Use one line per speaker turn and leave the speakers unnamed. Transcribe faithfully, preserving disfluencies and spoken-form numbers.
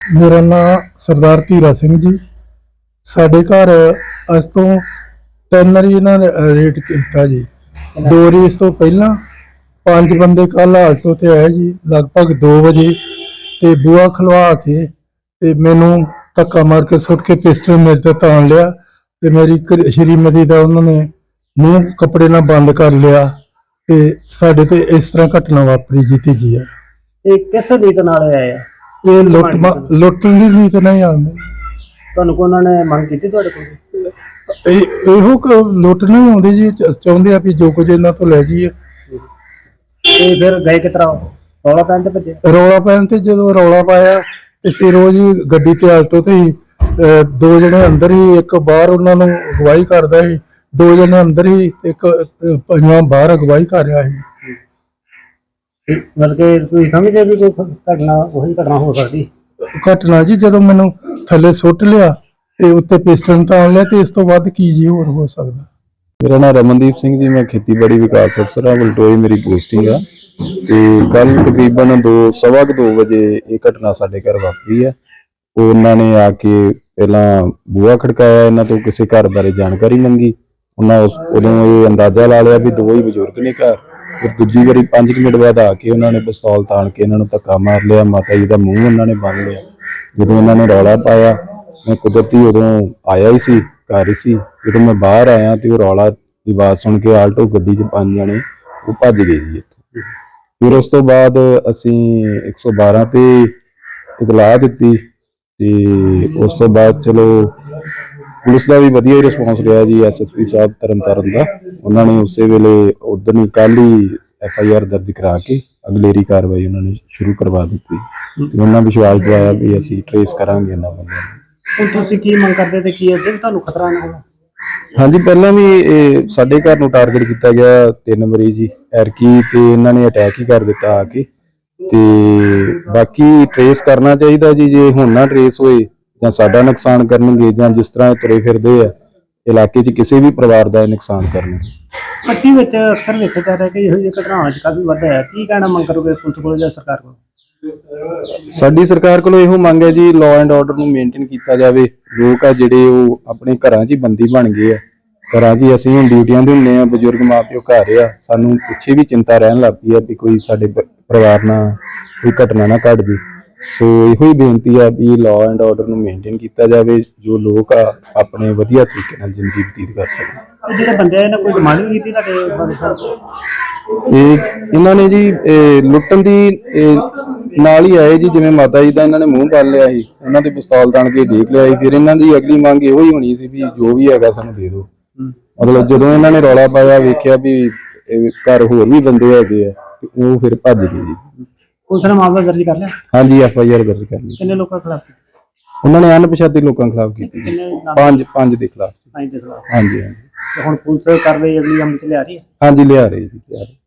मेरा नाम सरदार धीरा सिंह जी। साढ़े घर अज तो तीन वारी इन्होंने रेड किया जी। दो वारी इस तो पहला पांच बंदे कल आल्टो ते आए जी लगभग दो बजे ते बुआ खलवा के ते मैनू धक्का मार के सुट के पिस्टल मेरे ते तान लिया ते मेरी श्रीमती का उन्होंने मूँह कपड़े ना बंद कर लिया ते साडे ते इस तरह घटना वापरी जी। तीजी यार
ਇਹ ਕਿਸ ਨੀਤ ਨਾਲ ਆਇਆ ਹੈ?
ये लुट लुटन की नीत नहीं आती।
ਤੁਹਾਨੂੰ ਕੋ ਉਹਨਾਂ ਨੇ ਮੰਗ ਕੀਤੀ ਤੁਹਾਡੇ ਕੋਲ?
ਇਹੋ ਲੁੱਟ ਨਹੀਂ ਆਉਂਦੀ ਜੀ। ਚਾਹੁੰਦੇ ਆ ਵੀ ਜੋ ਕੁਝ ਇਹਨਾਂ ਤੋਂ ਲੈ ਜਾਈਏ।
ਤੇ ਫਿਰ ਗਏ ਕਿਸ ਤਰ੍ਹਾਂ? ਰੌਲਾ ਪੈਣ ਤੇ ਭੱਜੇ?
ਰੌਲਾ ਪੈਣ ਤੇ ਜਦੋਂ ਰੌਲਾ ਪਾਇਆ ਤੇ ਫਿਰ ਉਹ ਜੀ ਗੱਡੀ ਤੇ ਆਲਟੋ ਤੇ ਹੀ ਦੋ ਜਣੇ ਅੰਦਰ ਹੀ ਇੱਕ ਬਾਹਰ ਉਹਨਾਂ ਨੂੰ ਅਗਵਾਈ ਕਰਦਾ ਸੀ। ਦੋ ਜਣੇ ਅੰਦਰ ਹੀ ਇੱਕ ਪੰਜਵਾਂ ਬਾਹਰ ਅਗਵਾਈ ਕਰ ਰਿਹਾ ਸੀ।
ਮਤਲਬ ਕਿ ਤੁਸੀਂ ਸਮਝਦੇ ਵੀ ਕੋਈ ਘਟਨਾ ਉਹੀ ਘਟਨਾ ਹੋ ਸਕਦੀ?
ਘਟਨਾ ਜੀ ਜਦੋਂ ਮੈਨੂੰ ਥੱਲੇ ਸੁੱਟ ਲਿਆ ਤੇ ਉੱਤੇ ਪਿਸਟਲ ਤਾਣ ਲਿਆ ਤੇ ਇਸ ਤੋਂ ਵੱਧ ਕੀ ਜੀ ਹੋਰ ਹੋ ਸਕਦਾ।
मेरा नाम रमनदीप सिंह जी, मैं खेतीबाड़ी विकास अफसर हाँ, बलटोई मेरी पोस्टिंग आ। तो कल तकरीबन दो सवा दो बजे ये घटना साडे घर वापरी है। उन्होंने आके पहला बूहा खड़काया, इन्हों तो किसी घर बारे जानकारी मंगी। उन्होंने उदों ये अंदाजा ला लिया भी दो ही बजुर्ग ने घर। फिर दूजी बारी पांच मिनट बाद आके उन्होंने पिस्तौल तान के इन्होंने धक्का मार लिया। माता जी का मूँह उन्होंने बन लिया। जो इन्होंने रौला पाया मैं कुदरती उदों आया ही सी, घर ही सी। जो मैं बाहर आया तो रौला की आवाज सुन के आल्टो गड्डी च पांच जने वो भज गए जी इत्थों। फिर उस तो बाद असी एक सौ बारह ते इतलाह दी ते उस तो बाद चलो पुलिस का भी वधिया रिस्पॉन्स रहा जी। एस एस पी साहब तरन तारण का उन्होंने उस वेले उदन ही कल ही एफ आई आर दर्ज करा के अगलेरी कार्रवाई उन्होंने शुरू करवा दी। उन्होंने विश्वास दिलाया भी असी ट्रेस करांगे इन्हां बंदियां नूं।
ਹੁਣ ਤੁਸੀਂ ਕੀ ਮੰਗ ਕਰਦੇ ਤੇ ਕੀ ਅੱਗੇ ਤੁਹਾਨੂੰ ਖਤਰਾ ਨਾ ਹੋਵੇ?
हाँ जी, पहला भी साडे घर नूं टारगेट किया गया तीन वारी जी। एरकी ते इन्हां ने अटैक ही कर दिता आके। ते बाकी ट्रेस करना चाहिए जी। जे हुण ना ट्रेस होए जां साडा नुकसान करनगे जां जिस तरह तुरे फिरदे आ इलाके च किसी भी परिवार का नुकसान करनगे।
ਪੱਟੀ ਵਿੱਚ ਅਕਸਰ ਵੇਖਿਆ ਜਾ ਰਿਹਾ ਕਿ ਇਹੋ ਜਿਹੀ ਘਟਨਾਵਾਂ 'ਚ ਕਾਫੀ ਵਾਧਾ ਹੈ। ਕੀ ਕਹਿਣਾ ਮੰਗ ਕਰੋਗੇ ਪੁਲਿਸ ਕੋਲ ਜਾਂ ਸਰਕਾਰ ਕੋਲ?
ਸਾਡੀ ਸਰਕਾਰ ਕੋਲੋਂ ਇਹੋ ਮੰਗ ਹੈ ਜੀ, ਲਾਅ ਐਂਡ ਆਰਡਰ ਨੂੰ ਮੇਨਟੇਨ ਕੀਤਾ ਜਾਵੇ। ਲੋਕ ਆ ਜਿਹੜੇ ਉਹ ਆਪਣੇ ਘਰਾਂ 'ਚ ਹੀ ਬੰਦੀ ਬਣ ਗਏ ਆ। ਘਰਾਂ 'ਚ ਅਸੀਂ ਹੁਣ ਡਿਊਟੀਆਂ ਦੇ ਹੁੰਦੇ ਆ, ਬਜ਼ੁਰਗ ਮਾਂ ਪਿਓ ਘਰ ਆ। ਸਾਨੂੰ ਪਿੱਛੇ ਵੀ ਚਿੰਤਾ ਰਹਿਣ ਲੱਗ ਪਈ ਆ ਵੀ ਕੋਈ ਸਾਡੇ ਪਰਿਵਾਰ ਨਾਲ ਕੋਈ ਘਟਨਾ ਨਾ ਘਟ ਜੇ। ਸੋ ਇਹੋ ਹੀ ਬੇਨਤੀ ਆ ਵੀ ਲਾਅ ਐਂਡ ਆਰਡਰ ਨੂੰ ਮੇਨਟੇਨ ਕੀਤਾ ਜਾਵੇ, ਜੋ ਲੋਕ ਆ ਆਪਣੇ ਵਧੀਆ ਤਰੀਕੇ ਨਾਲ ਜ਼ਿੰਦਗੀ ਬਤੀਤ ਕਰ ਸਕਣ।
ਜਿਹੜੇ ਬੰਦੇ ਆ ਇਹਨਾਂ ਕੋਈ ਡਿਮਾਂਡ ਵੀ ਕੀਤੀ ਤੁਹਾਡੇ ਬਾਰੇ ਸਾਹਿਬ?
ਇਹ ਇਹਨਾਂ ਨੇ ਜੀ ਲੁੱਟਣ ਦੀ ਨਾਲ ਹੀ ਆਏ ਜੀ। ਜਿਵੇਂ ਮਾਤਾ ਜੀ ਦਾ ਇਹਨਾਂ ਨੇ ਮੂੰਹ ਬੰਨ ਲਿਆ ਸੀ, ਉਹਨਾਂ ਤੇ ਪਿਸਤੌਲ ਤਾਣ ਕੇ ਦੇਖ ਲਿਆ ਸੀ। ਫਿਰ ਇਹਨਾਂ ਦੀ ਅਗਲੀ ਮੰਗ ਇਹੋ ਹੀ ਹੋਣੀ ਸੀ ਵੀ ਜੋ ਵੀ ਹੈਗਾ ਸਾਨੂੰ ਦੇ ਦਿਓ। ਮਤਲਬ ਜਦੋਂ ਇਹਨਾਂ ਨੇ ਰੌਲਾ ਪਾਇਆ ਵੇਖਿਆ ਵੀ ਘਰ ਹੋਰ ਵੀ ਬੰਦੇ ਹੈਗੇ ਆ ਤੇ ਉਹ ਫਿਰ ਭੱਜ ਗਏ ਜੀ।
ਪੁਲਿਸ ਨੇ ਮਾਮਲਾ ਦਰਜ ਕਰ ਲਿਆ?
ਹਾਂਜੀ, ਐਫ ਆਈ ਆਰ ਦਰਜ ਕਰ ਲਈ।
ਕਿੰਨੇ ਲੋਕਾਂ ਖਿਲਾਫ?
ਉਹਨਾਂ ਨੇ ਅਣਪਛਾਤੇ ਲੋਕਾਂ ਖਿਲਾਫ ਕੀਤੀ। ਪੰਜ ਪੰਜ ਦੇ ਖਿਲਾਫ।
ਪੰਜ ਦੇ ਖਿਲਾਫ।
ਹਾਂਜੀ ਹਾਂਜੀ।
ਤੇ ਹੁਣ ਪੁਲਿਸ ਕਾਰਵਾਈ ਅਗਲੀ ਅਮਲ ਚ ਲਿਆ ਰਹੀ ਹੈ?
ਹਾਂਜੀ ਲਿਆ ਰਹੀ ਜੀ, ਲਿਆ ਰਹੀ।